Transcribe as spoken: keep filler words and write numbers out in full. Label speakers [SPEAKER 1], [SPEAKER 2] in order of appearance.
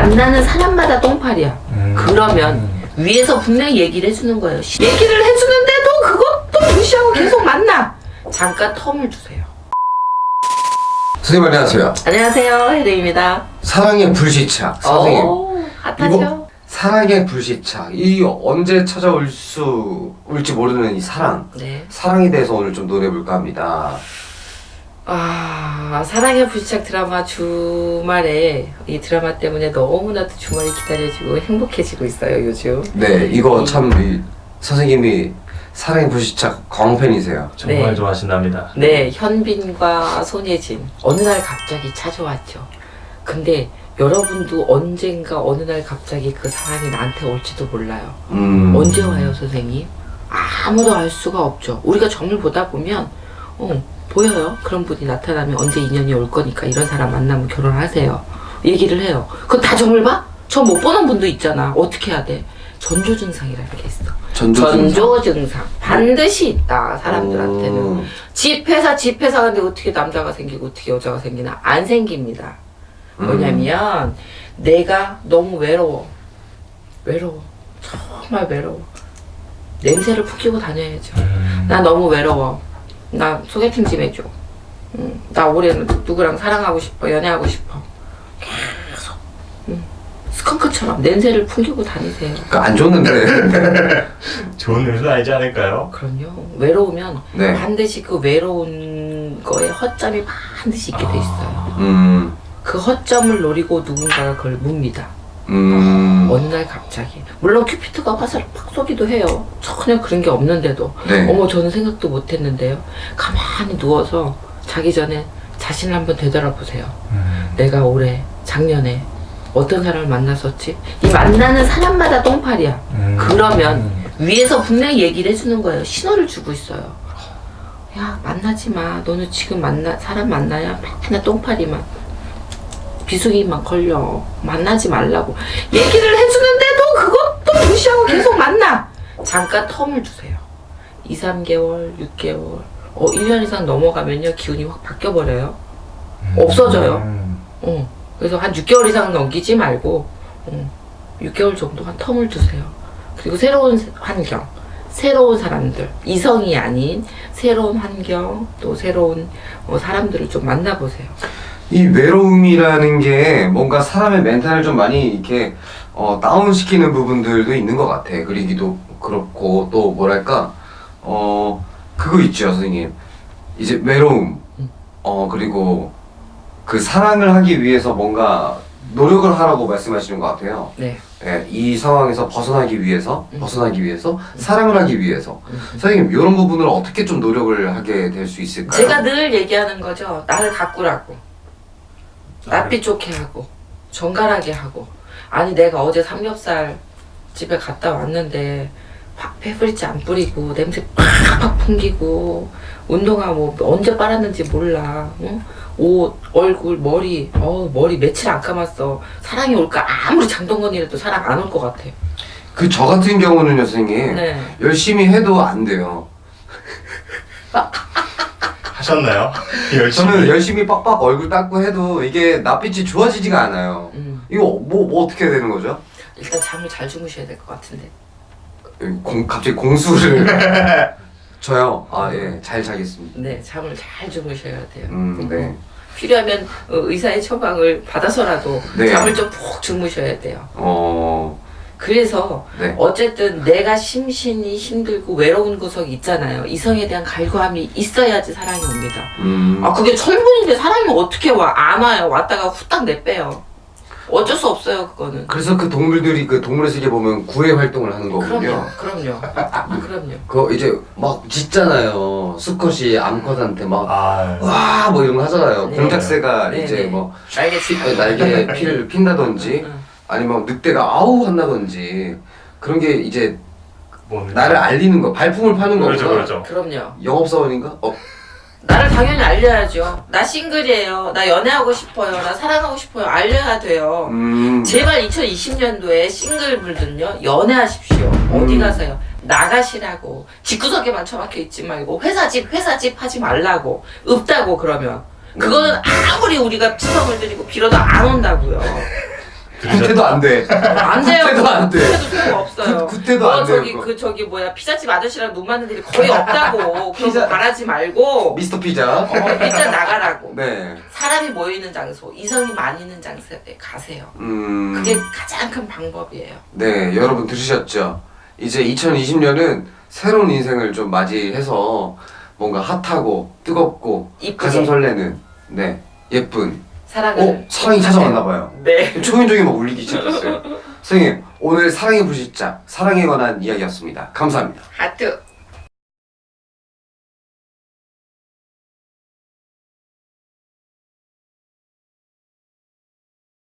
[SPEAKER 1] 만나는 사람마다 똥파리야. 음. 그러면 위에서 분명히 얘기를 해주는 거예요. 얘기를 해주는데도 그것도 무시하고 계속 만나. 잠깐 텀을 주세요.
[SPEAKER 2] 선생님 안녕하세요.
[SPEAKER 1] 안녕하세요, 혜리입니다.
[SPEAKER 2] 사랑의 불시착. 선생님.
[SPEAKER 1] 오, 핫하죠?
[SPEAKER 2] 이거 사랑의 불시착. 이 언제 찾아올 수 올지 모르는 이 사랑.
[SPEAKER 1] 네.
[SPEAKER 2] 사랑에 대해서 오늘 좀 논해볼까 합니다.
[SPEAKER 1] 아, 사랑의 불시착 드라마 주말에 이 드라마 때문에 너무나도 주말이 기다려지고 행복해지고 있어요, 요즘.
[SPEAKER 2] 네, 이거 참 이, 선생님이 사랑의 불시착 광팬이세요.
[SPEAKER 3] 정말
[SPEAKER 1] 네.
[SPEAKER 3] 좋아하신답니다.
[SPEAKER 1] 네, 현빈과 손예진. 어느 날 갑자기 찾아왔죠. 근데 여러분도 언젠가 어느 날 갑자기 그 사랑이 나한테 올지도 몰라요.
[SPEAKER 2] 음.
[SPEAKER 1] 언제 와요, 선생님? 아무도 알 수가 없죠. 우리가 점을 보다 보면 어, 보여요. 그런 분이 나타나면 언제 인연이 올 거니까 이런 사람 만나면 결혼하세요. 얘기를 해요. 그건 다 점을 봐? 점 못 보는 분도 있잖아. 어떻게 해야 돼? 전조 증상이라는 게 있어.
[SPEAKER 2] 전조 증상.
[SPEAKER 1] 전조 증상. 반드시 있다, 사람들한테는.
[SPEAKER 2] 오.
[SPEAKER 1] 집회사, 집회사 근데 어떻게 남자가 생기고 어떻게 여자가 생기나? 안 생깁니다. 뭐냐면 내가 너무 외로워. 외로워. 정말 외로워. 냄새를 풍기고 다녀야죠.
[SPEAKER 3] 음.
[SPEAKER 1] 나 너무 외로워. 나 소개팅 좀 해줘. 응. 나 올해는 누구랑 사랑하고 싶어. 연애하고 싶어. 계속. 응. 스컹크처럼 냄새를 풍기고 다니세요.
[SPEAKER 2] 그러니까 안 좋는데.
[SPEAKER 3] 좋은 뉴스 아니지 않을까요?
[SPEAKER 1] 그럼요. 외로우면
[SPEAKER 2] 네.
[SPEAKER 1] 반드시 그 외로운 거에 허점이 반드시 있게 돼 있어요.
[SPEAKER 2] 음.
[SPEAKER 1] 그 허점을 노리고 누군가가 그걸 묻니다.
[SPEAKER 2] 음.
[SPEAKER 1] 어느 날 갑자기. 물론 큐피트가 화살을 팍 쏘기도 해요. 전혀 그런 게 없는데도.
[SPEAKER 2] 네.
[SPEAKER 1] 어머, 저는 생각도 못 했는데요. 가만히 누워서 자기 전에 자신을 한번 되돌아보세요.
[SPEAKER 3] 음.
[SPEAKER 1] 내가 올해, 작년에 어떤 사람을 만났었지? 이 만나는 사람마다 똥파리야.
[SPEAKER 3] 음.
[SPEAKER 1] 그러면 위에서 분명히 얘기를 해주는 거예요. 신호를 주고 있어요. 야, 만나지 마. 너는 지금 만나, 사람 만나야 맨날 똥파리만. 비수기만 걸려. 만나지 말라고. 얘기를 해주는데도 그것도 무시하고 계속 만나. 잠깐 텀을 주세요. 이, 삼 개월, 육 개월, 어, 일 년 이상 넘어가면요. 기운이 확 바뀌어버려요. 없어져요.
[SPEAKER 3] 음.
[SPEAKER 1] 어. 그래서 한 육 개월 이상 넘기지 말고, 어, 육 개월 정도 한 텀을 주세요. 그리고 새로운 환경, 새로운 사람들, 이성이 아닌 새로운 환경, 또 새로운 어, 사람들을 좀 만나보세요.
[SPEAKER 2] 이 외로움이라는 게 뭔가 사람의 멘탈을 좀 많이 이렇게 어, 다운시키는 부분들도 있는 것 같아. 그러기도 그렇고 또 뭐랄까 어 그거 있죠, 선생님. 이제 외로움 어 그리고 그 사랑을 하기 위해서 뭔가 노력을 하라고 말씀하시는 것 같아요.
[SPEAKER 1] 네.
[SPEAKER 2] 예, 이 상황에서 벗어나기 위해서
[SPEAKER 1] 음.
[SPEAKER 2] 벗어나기 위해서 사랑을 하기 위해서 선생님 이런 부분을 어떻게 좀 노력을 하게 될 수 있을까요?
[SPEAKER 1] 제가 늘 얘기하는 거죠. 나를 가꾸라고. 낯빛 좋게 하고 정갈하게 하고. 아니 내가 어제 삼겹살 집에 갔다 왔는데 팍 페브리즈 안 뿌리고 냄새 팍팍 풍기고 운동화 뭐 언제 빨았는지 몰라. 응? 옷, 얼굴, 머리 어 머리 며칠 안 감았어. 사랑이 올까? 아무리 장동건이라도 사랑 안 올 것 같아.
[SPEAKER 2] 그 저 같은 경우는요, 선생님.
[SPEAKER 1] 네. 열심히
[SPEAKER 2] 열심히 해도 안 돼요.
[SPEAKER 3] 하셨나요? 열심히.
[SPEAKER 2] 저는 열심히 빡빡 얼굴 닦고 해도 이게 낯빛이 좋아지지가 않아요.
[SPEAKER 1] 음.
[SPEAKER 2] 이거 뭐, 뭐 어떻게 해야 되는 거죠?
[SPEAKER 1] 일단 잠을 잘 주무셔야 될 것 같은데.
[SPEAKER 2] 공, 갑자기 공수를 저요? 아, 예, 잘 자겠습니다.
[SPEAKER 1] 네, 잠을 잘 주무셔야 돼요.
[SPEAKER 2] 음, 네.
[SPEAKER 1] 필요하면 어, 의사의 처방을 받아서라도
[SPEAKER 2] 네.
[SPEAKER 1] 잠을 좀 푹 주무셔야 돼요.
[SPEAKER 2] 어,
[SPEAKER 1] 그래서
[SPEAKER 2] 네.
[SPEAKER 1] 어쨌든 내가 심신이 힘들고 외로운 구석이 있잖아요. 이성에 대한 갈구함이 있어야지 사랑이 옵니다.
[SPEAKER 2] 음,
[SPEAKER 1] 아 그게 철분인데 사랑이 어떻게 와? 안 와요. 왔다가 후딱 내빼요. 어쩔 수 없어요, 그거는.
[SPEAKER 2] 그래서 그 동물들이 그 동물의 세계 보면 구애 활동을 하는 거군요.
[SPEAKER 1] 그럼요, 그럼요, 그럼요.
[SPEAKER 2] 그거 이제 막 짖잖아요. 수컷이 암컷한테 막,
[SPEAKER 3] 아,
[SPEAKER 2] 와, 뭐 이런 거 하잖아요.
[SPEAKER 1] 네.
[SPEAKER 2] 공작새가
[SPEAKER 1] 네,
[SPEAKER 2] 이제
[SPEAKER 1] 네.
[SPEAKER 2] 뭐,
[SPEAKER 1] 알겠지?
[SPEAKER 2] 피- 날개에 피를 핀다든지,
[SPEAKER 1] 응.
[SPEAKER 2] 아니면 늑대가 아우 한다든지, 그런 게 이제
[SPEAKER 3] 뭡니까?
[SPEAKER 2] 나를 알리는 거, 발품을 파는 거구나.
[SPEAKER 3] 그렇죠, 그렇죠.
[SPEAKER 1] 그럼요.
[SPEAKER 2] 영업사원인가? 어,
[SPEAKER 1] 나를 당연히 알려야죠. 나 싱글이에요. 나 연애하고 싶어요. 나 사랑하고 싶어요. 알려야 돼요.
[SPEAKER 2] 음,
[SPEAKER 1] 제발 이천이십 년도에 싱글분들은요 연애하십시오.
[SPEAKER 2] 음.
[SPEAKER 1] 어디 가세요? 나가시라고. 집구석에만 처박혀 있지 말고 회사 집 회사 집 하지 말라고. 없다고 그러면 그거는 아무리 우리가 치성을 드리고 빌어도 안 온다고요.
[SPEAKER 2] 구태도 안 돼.
[SPEAKER 1] 안 돼요.
[SPEAKER 2] 구태도 안 돼.
[SPEAKER 1] 구태도 소용 없어요.
[SPEAKER 2] 구- 구태도
[SPEAKER 1] 어,
[SPEAKER 2] 안 돼요,
[SPEAKER 1] 저기
[SPEAKER 2] 그거.
[SPEAKER 1] 그 저기 뭐야 피자집 아저씨랑 눈 맞는 일이 거의 없다고. 그런
[SPEAKER 2] 피자-
[SPEAKER 1] 거 바라지 말고
[SPEAKER 2] 미스터 피자.
[SPEAKER 1] 어, 일단 나가라고.
[SPEAKER 2] 네.
[SPEAKER 1] 사람이 모이는 장소, 이성이 많이 있는 장소에 가세요.
[SPEAKER 2] 음.
[SPEAKER 1] 그게 가장 큰 방법이에요.
[SPEAKER 2] 네, 여러분 들으셨죠? 이제 이천이십 년은 새로운 인생을 좀 맞이해서 뭔가 핫하고 뜨겁고
[SPEAKER 1] 이쁘게.
[SPEAKER 2] 가슴 설레는 네 예쁜
[SPEAKER 1] 사랑을.
[SPEAKER 2] 어? 사랑이 찾아왔나 봐요.
[SPEAKER 1] 네.
[SPEAKER 2] 초인종이 막 울리기 시작했어요. 선생님 오늘 사랑의 불시착 사랑에 관한 이야기였습니다. 감사합니다.
[SPEAKER 1] 하트.